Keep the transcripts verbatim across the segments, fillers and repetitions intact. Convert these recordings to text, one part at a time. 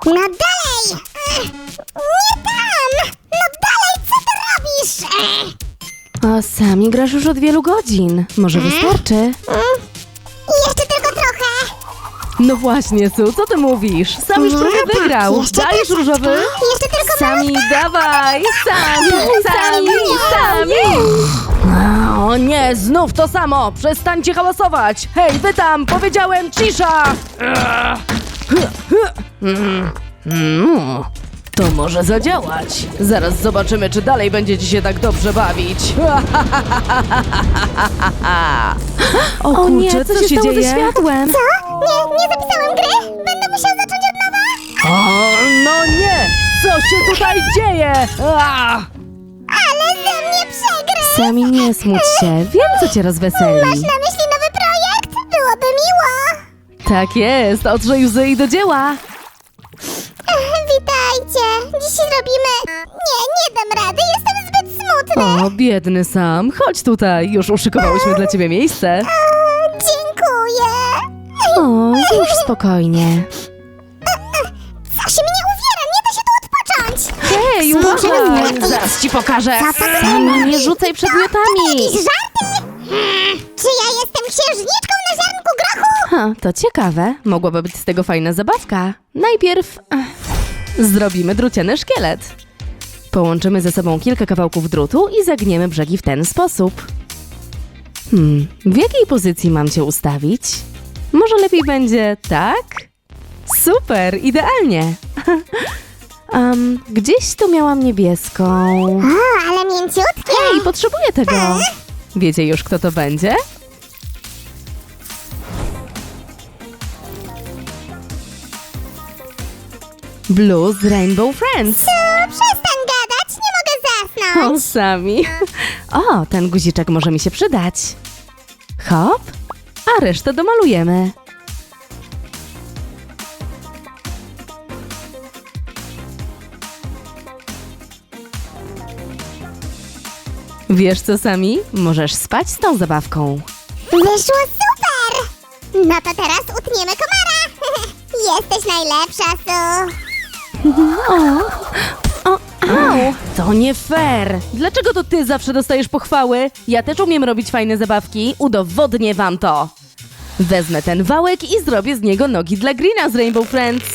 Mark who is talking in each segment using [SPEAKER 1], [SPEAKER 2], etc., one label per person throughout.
[SPEAKER 1] No dalej! Ech, nie tam! No dalej, co ty robisz? Ech.
[SPEAKER 2] O, Sami, grasz już od wielu godzin. Może wystarczy?
[SPEAKER 1] Mm, jeszcze tylko trochę.
[SPEAKER 2] No właśnie, Su, co ty mówisz? Sam już
[SPEAKER 1] Nie,
[SPEAKER 2] prawie
[SPEAKER 1] tak,
[SPEAKER 2] wygrał.
[SPEAKER 1] jeszcze
[SPEAKER 2] Dajesz
[SPEAKER 1] troszeczkę.
[SPEAKER 2] różowy?
[SPEAKER 1] Jeszcze tylko
[SPEAKER 2] Sami, dawaj! Sami, Sami, Sami! O nie, znów to samo! Przestańcie hałasować! Hej, wy tam! Powiedziałem cisza! Mm, mm, To może zadziałać. Zaraz zobaczymy, czy dalej będziecie się tak dobrze bawić. O,
[SPEAKER 3] O nie,
[SPEAKER 2] kurczę,
[SPEAKER 3] co się stało ze światłem?
[SPEAKER 1] Co? Nie, nie zapisałem gry? Będę musiał zacząć od nowa?
[SPEAKER 2] O, no nie! Co się tutaj dzieje? A!
[SPEAKER 1] Ale ze mnie przegry!
[SPEAKER 2] Sami, nie smuć się. Wiem, co cię rozweseli.
[SPEAKER 1] Masz na myśli nowy projekt? Byłoby miło.
[SPEAKER 2] Tak jest, otrzyj łzy i do dzieła.
[SPEAKER 1] Ech, witajcie. Dziś robimy... Nie, nie dam rady, jestem zbyt smutny.
[SPEAKER 2] O, biedny Sam, chodź tutaj. Już uszykowałyśmy dla ciebie miejsce.
[SPEAKER 1] O, dziękuję.
[SPEAKER 2] O, już spokojnie.
[SPEAKER 1] Coś mnie uwiera, nie da się tu odpocząć.
[SPEAKER 2] Hej,
[SPEAKER 1] Spokojnie.
[SPEAKER 2] uważaj! Zaraz ci pokażę.
[SPEAKER 1] Co to
[SPEAKER 2] Sami, nie rzucaj przedmiotami.
[SPEAKER 1] Jakieś żarty? Hmm, czy ja jestem księżniczką na ziarnku grochu?
[SPEAKER 2] Ha, to ciekawe. Mogłaby być z tego fajna zabawka. Najpierw ech, zrobimy druciany szkielet. Połączymy ze sobą kilka kawałków drutu i zagniemy brzegi w ten sposób. Hmm, w jakiej pozycji mam cię ustawić? Może lepiej będzie tak? Super, idealnie. um, gdzieś tu miałam niebieską.
[SPEAKER 1] O, ale mięciutkie.
[SPEAKER 2] Ej, potrzebuję tego. Wiecie już, kto to będzie? Blue z Rainbow Friends.
[SPEAKER 1] O, przestań gadać, nie mogę
[SPEAKER 2] O,
[SPEAKER 1] zasnąć.
[SPEAKER 2] Sami. O, ten guziczek może mi się przydać. Hop, a resztę domalujemy. Wiesz co, Sami? Możesz spać z tą zabawką.
[SPEAKER 1] Wyszło super. No to teraz utniemy komara. Jesteś najlepsza, Su.
[SPEAKER 2] O, au! To nie fair! Dlaczego to ty zawsze dostajesz pochwały? Ja też umiem robić fajne zabawki, udowodnię wam to! Wezmę ten wałek i zrobię z niego nogi dla Greena z Rainbow Friends.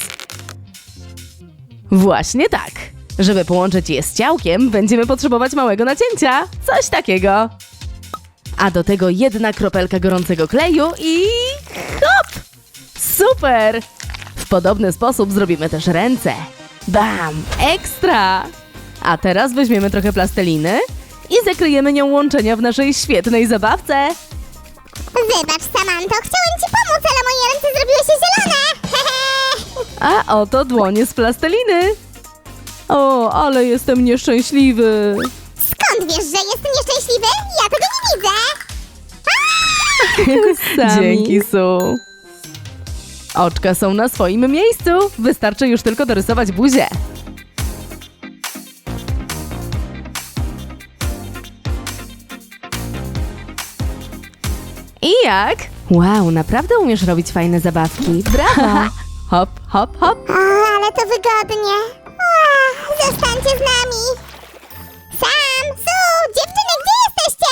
[SPEAKER 2] Właśnie tak. Żeby połączyć je z ciałkiem, będziemy potrzebować małego nacięcia. Coś takiego. A do tego jedna kropelka gorącego kleju i... hop! Super! W podobny sposób zrobimy też ręce. Bam! Ekstra! A teraz weźmiemy trochę plasteliny i zakryjemy nią łączenia w naszej świetnej zabawce.
[SPEAKER 1] Wybacz, Samanto, chciałem ci pomóc, ale moje ręce zrobiły się zielone.
[SPEAKER 2] A oto dłonie z plasteliny. O, ale jestem nieszczęśliwy.
[SPEAKER 1] Skąd wiesz, że jestem nieszczęśliwy? Ja tego nie widzę.
[SPEAKER 2] Sami. Dzięki, Su. Oczka są na swoim miejscu. Wystarczy już tylko dorysować buzię. I jak? Wow, naprawdę umiesz robić fajne zabawki. Brawo! Hop, hop, hop.
[SPEAKER 1] O, ale to wygodnie. O, zostańcie z nami. Sam, Su, dziewczyny, gdzie jesteście?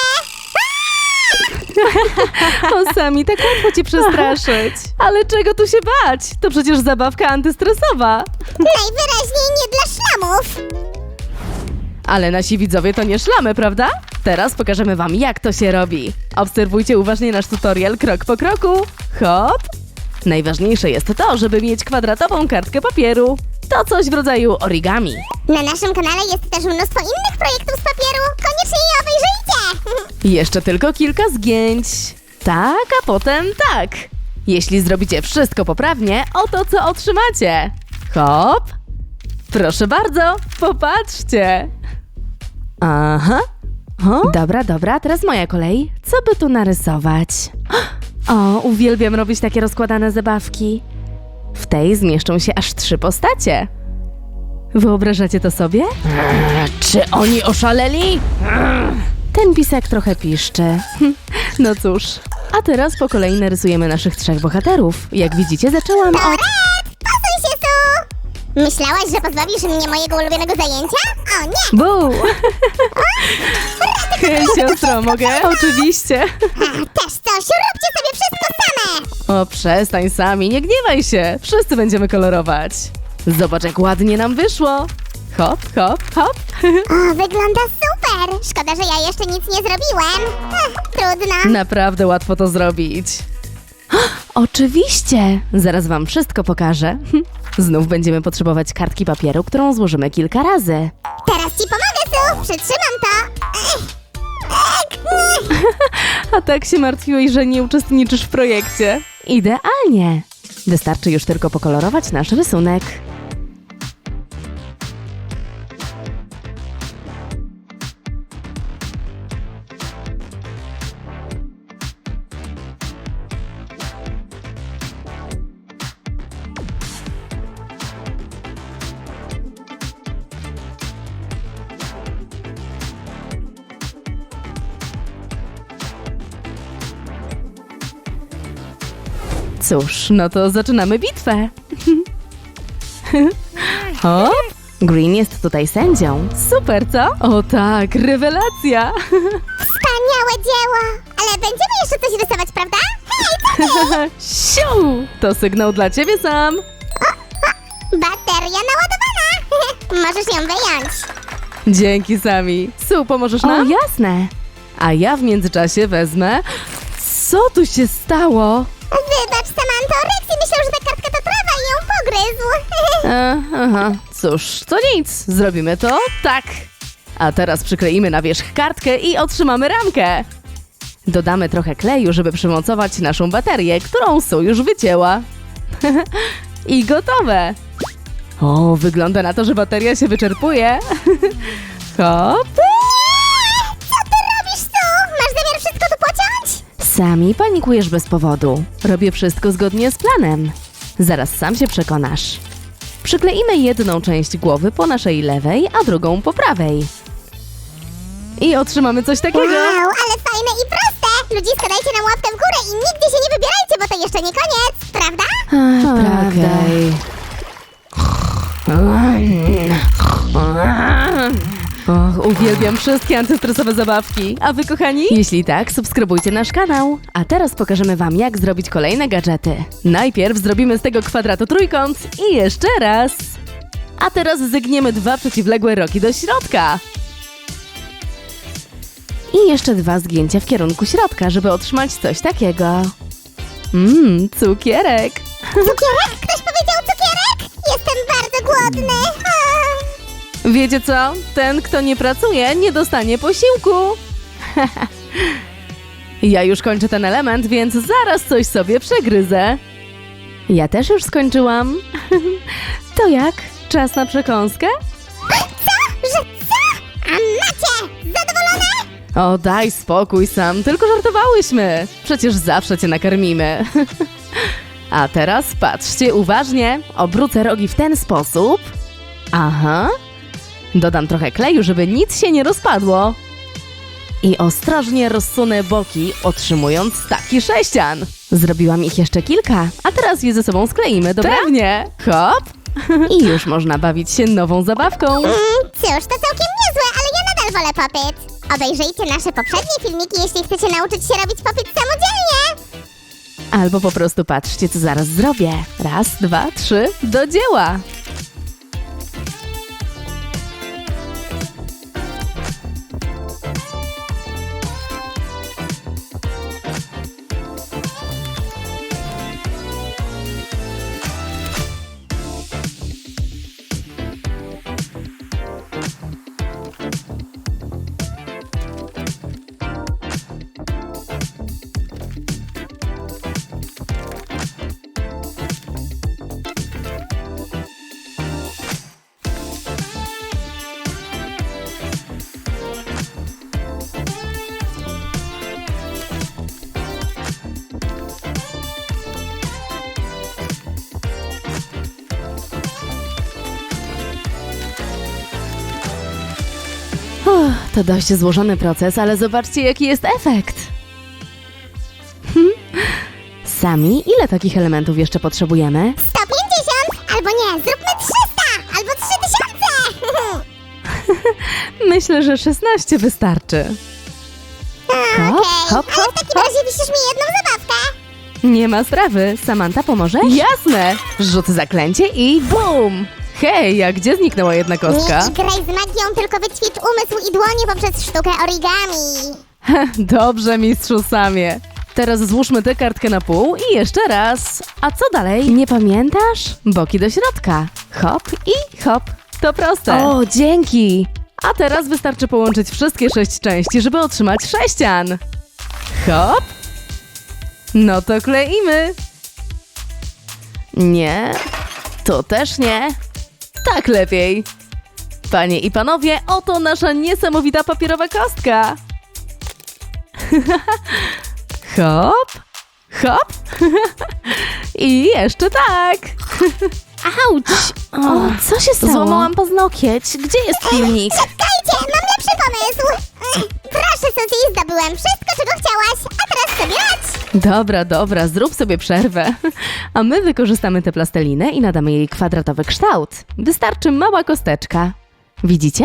[SPEAKER 2] O, Sami, tak łatwo cię przestraszyć. Ale czego tu się bać? To przecież zabawka antystresowa.
[SPEAKER 1] Najwyraźniej nie dla szlamów.
[SPEAKER 2] Ale nasi widzowie to nie szlamy, prawda? Teraz pokażemy wam, jak to się robi. Obserwujcie uważnie nasz tutorial krok po kroku. Hop! Najważniejsze jest to, żeby mieć kwadratową kartkę papieru. To coś w rodzaju origami.
[SPEAKER 1] Na naszym kanale jest też mnóstwo innych projektów z papieru. Koniecznie je obejrzyjcie.
[SPEAKER 2] Jeszcze tylko kilka zgięć. Tak, a potem tak. Jeśli zrobicie wszystko poprawnie, oto co otrzymacie. Hop! Proszę bardzo, popatrzcie. Aha. O? Dobra, dobra, teraz moja kolej. Co by tu narysować? O, uwielbiam robić takie rozkładane zabawki. W tej zmieszczą się aż trzy postacie. Wyobrażacie to sobie? Czy oni oszaleli? Ten pisak trochę piszczy. No cóż. A teraz po kolei narysujemy naszych trzech bohaterów. Jak widzimy, zaczęłam od...
[SPEAKER 1] Toret, pasuj się, Su. Myślałaś, że pozbawisz mnie mojego ulubionego zajęcia? O nie!
[SPEAKER 2] Bu! Hej, siostro, mogę? Oczywiście.
[SPEAKER 1] A, też coś, róbcie sobie wszystko same!
[SPEAKER 2] O, przestań sami, nie gniewaj się. Wszyscy będziemy kolorować. Zobacz, jak ładnie nam wyszło. Hop, hop, hop.
[SPEAKER 1] O, wygląda super! Szkoda, że ja jeszcze nic nie zrobiłem. Ech, trudno.
[SPEAKER 2] Naprawdę łatwo to zrobić. Oczywiście! Zaraz wam wszystko pokażę. Znów będziemy potrzebować kartki papieru, którą złożymy kilka razy.
[SPEAKER 1] Teraz ci pomogę, Su! Przytrzymam to! Ech. Ech. Ech.
[SPEAKER 2] A tak się martwiłeś, że nie uczestniczysz w projekcie. Idealnie! Wystarczy już tylko pokolorować nasz rysunek. Cóż, no to zaczynamy bitwę. O, Green jest tutaj sędzią. Super, co? O tak, rewelacja.
[SPEAKER 1] Wspaniałe dzieło! Ale będziemy jeszcze coś rysować, prawda? Hej, co
[SPEAKER 2] Siu! To sygnał dla ciebie sam.
[SPEAKER 1] bateria naładowana! Możesz ją wyjąć.
[SPEAKER 2] Dzięki, Sami. Su, pomożesz nam? O, jasne. A ja w międzyczasie wezmę... Co tu się stało?
[SPEAKER 1] Wybacz, Samanto, Rexy myślał, że ta kartka to trawa i ją pogryzł.
[SPEAKER 2] E, aha, cóż, to nic. Zrobimy to tak. A teraz przykleimy na wierzch kartkę i otrzymamy ramkę. Dodamy trochę kleju, żeby przymocować naszą baterię, którą Su już wycięła. I gotowe. O, wygląda na to, że bateria się wyczerpuje. Hop.
[SPEAKER 1] Co ty robisz, Su? Masz zamiar wszystko tu pociąć?
[SPEAKER 2] Sami panikujesz bez powodu. Robię wszystko zgodnie z planem. Zaraz sam się przekonasz. Przykleimy jedną część głowy po naszej lewej, a drugą po prawej. I otrzymamy coś takiego.
[SPEAKER 1] Wow, ale fajne i proste! Ludziska, dajcie nam łapkę w górę i nigdzie się nie wybierajcie, bo to jeszcze nie koniec, prawda?
[SPEAKER 2] Prawda. Och, uwielbiam wszystkie antystresowe zabawki. A wy, kochani? Jeśli tak, subskrybujcie nasz kanał. A teraz pokażemy wam, jak zrobić kolejne gadżety. Najpierw zrobimy z tego kwadratu trójkąt i jeszcze raz. A teraz zygniemy dwa przeciwległe roki do środka. I jeszcze dwa zgięcia w kierunku środka, żeby otrzymać coś takiego. Mmm, cukierek.
[SPEAKER 1] Cukierek? Ktoś powiedział cukierek? Jestem bardzo głodny. A.
[SPEAKER 2] Wiecie co? Ten, kto nie pracuje, nie dostanie posiłku. Ja już kończę ten element, więc zaraz coś sobie przegryzę. Ja też już skończyłam. To jak? Czas na przekąskę?
[SPEAKER 1] Co? Że co? A macie! Zadowolone?
[SPEAKER 2] O, daj spokój sam, tylko żartowałyśmy. Przecież zawsze cię nakarmimy. A teraz patrzcie uważnie. Obrócę rogi w ten sposób. Aha. Dodam trochę kleju, żeby nic się nie rozpadło. I ostrożnie rozsunę boki, otrzymując taki sześcian. Zrobiłam ich jeszcze kilka, a teraz je ze sobą skleimy, dobra? Pewnie. Hop. I już można bawić się nową zabawką.
[SPEAKER 1] Mm, cóż, to całkiem niezłe, ale ja nadal wolę popyt. Obejrzyjcie nasze poprzednie filmiki, jeśli chcecie nauczyć się robić popyt samodzielnie.
[SPEAKER 2] Albo po prostu patrzcie, co zaraz zrobię. Raz, dwa, trzy, do dzieła! Uff, to dość złożony proces, ale zobaczcie, jaki jest efekt. Hm. Sami, ile takich elementów jeszcze potrzebujemy?
[SPEAKER 1] sto pięćdziesiąt! Albo nie, zróbmy trzysta!
[SPEAKER 2] Myślę, że szesnaście wystarczy.
[SPEAKER 1] Okej,
[SPEAKER 2] hop,
[SPEAKER 1] ale
[SPEAKER 2] hop,
[SPEAKER 1] w takim razie wisisz mi jedną zabawkę.
[SPEAKER 2] Nie ma sprawy. Samantha, pomożesz? Jasne! Rzucę zaklęcie i bum! Hej, a gdzie zniknęła jedna kostka?
[SPEAKER 1] Nie graj z magią, tylko wyćwicz umysł i dłonie poprzez sztukę origami.
[SPEAKER 2] Dobrze, mistrzu Samie. Teraz złóżmy tę kartkę na pół i jeszcze raz. A co dalej? Nie pamiętasz? Boki do środka. Hop i hop. To proste. O, dzięki. A teraz wystarczy połączyć wszystkie sześć części, żeby otrzymać sześcian. Hop. No to kleimy. Nie. To też nie. Tak lepiej. Panie i panowie, oto nasza niesamowita papierowa kostka. Hop, hop i jeszcze tak. Auć! O, co się stało? Złamałam paznokieć. Gdzie jest filmik?
[SPEAKER 1] Czekajcie, mam lepszy pomysł. Proszę, Suzy, zdobyłem wszystko, czego chciałaś, a teraz sobie radź.
[SPEAKER 2] Dobra, dobra, zrób sobie przerwę. A my wykorzystamy tę plastelinę i nadamy jej kwadratowy kształt. Wystarczy mała kosteczka. Widzicie?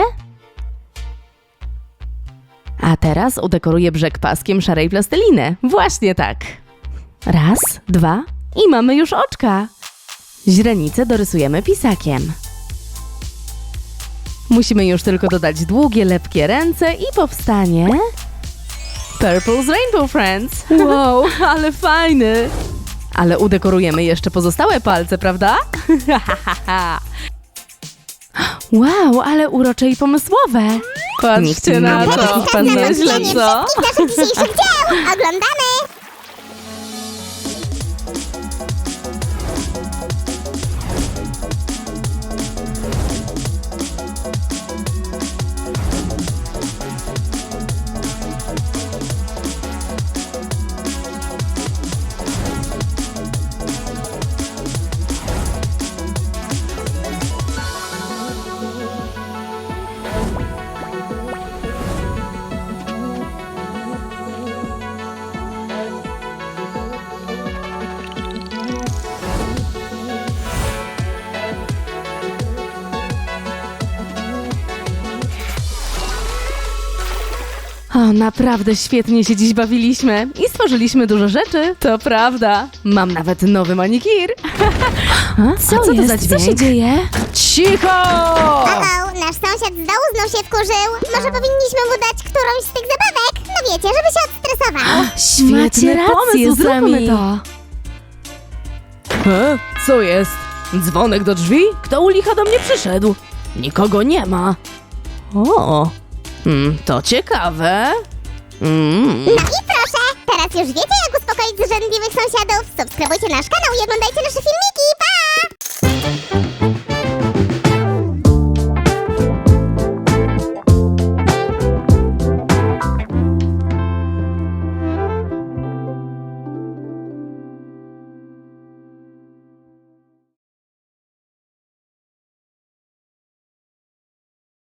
[SPEAKER 2] A teraz udekoruję brzeg paskiem szarej plasteliny. Właśnie tak. Raz, dwa i mamy już oczka. Źrenicę dorysujemy pisakiem. Musimy już tylko dodać długie, lepkie ręce i powstanie... Purple's Rainbow Friends. Wow, ale fajny. Ale udekorujemy jeszcze pozostałe palce, prawda? Wow, ale urocze i pomysłowe. Patrzcie na to. Pan nieźle, co?
[SPEAKER 1] Wszystkich naszych dzisiejszych dzieł oglądamy.
[SPEAKER 2] O, naprawdę świetnie się dziś bawiliśmy i stworzyliśmy dużo rzeczy, to prawda. Mam nawet nowy manikir. A,
[SPEAKER 3] Co
[SPEAKER 2] A co to
[SPEAKER 3] jest?
[SPEAKER 2] za
[SPEAKER 3] Co
[SPEAKER 2] dźwięk?
[SPEAKER 3] się dzieje?
[SPEAKER 2] Cicho!
[SPEAKER 1] O, nasz sąsiad z dołu znów się wkurzył. Może powinniśmy mu dać którąś z tych zabawek? No wiecie, żeby się odstresował.
[SPEAKER 2] Świetny
[SPEAKER 3] Macie rację,
[SPEAKER 2] pomysł,
[SPEAKER 3] zróbmy
[SPEAKER 2] zróbmy
[SPEAKER 3] to.
[SPEAKER 2] E, co jest? Dzwonek do drzwi? Kto u licha do mnie przyszedł? Nikogo nie ma. O, mm, to ciekawe. Mm.
[SPEAKER 1] No i proszę, teraz już wiecie, jak uspokoić zrzędliwych sąsiadów. Subskrybujcie nasz kanał i oglądajcie nasze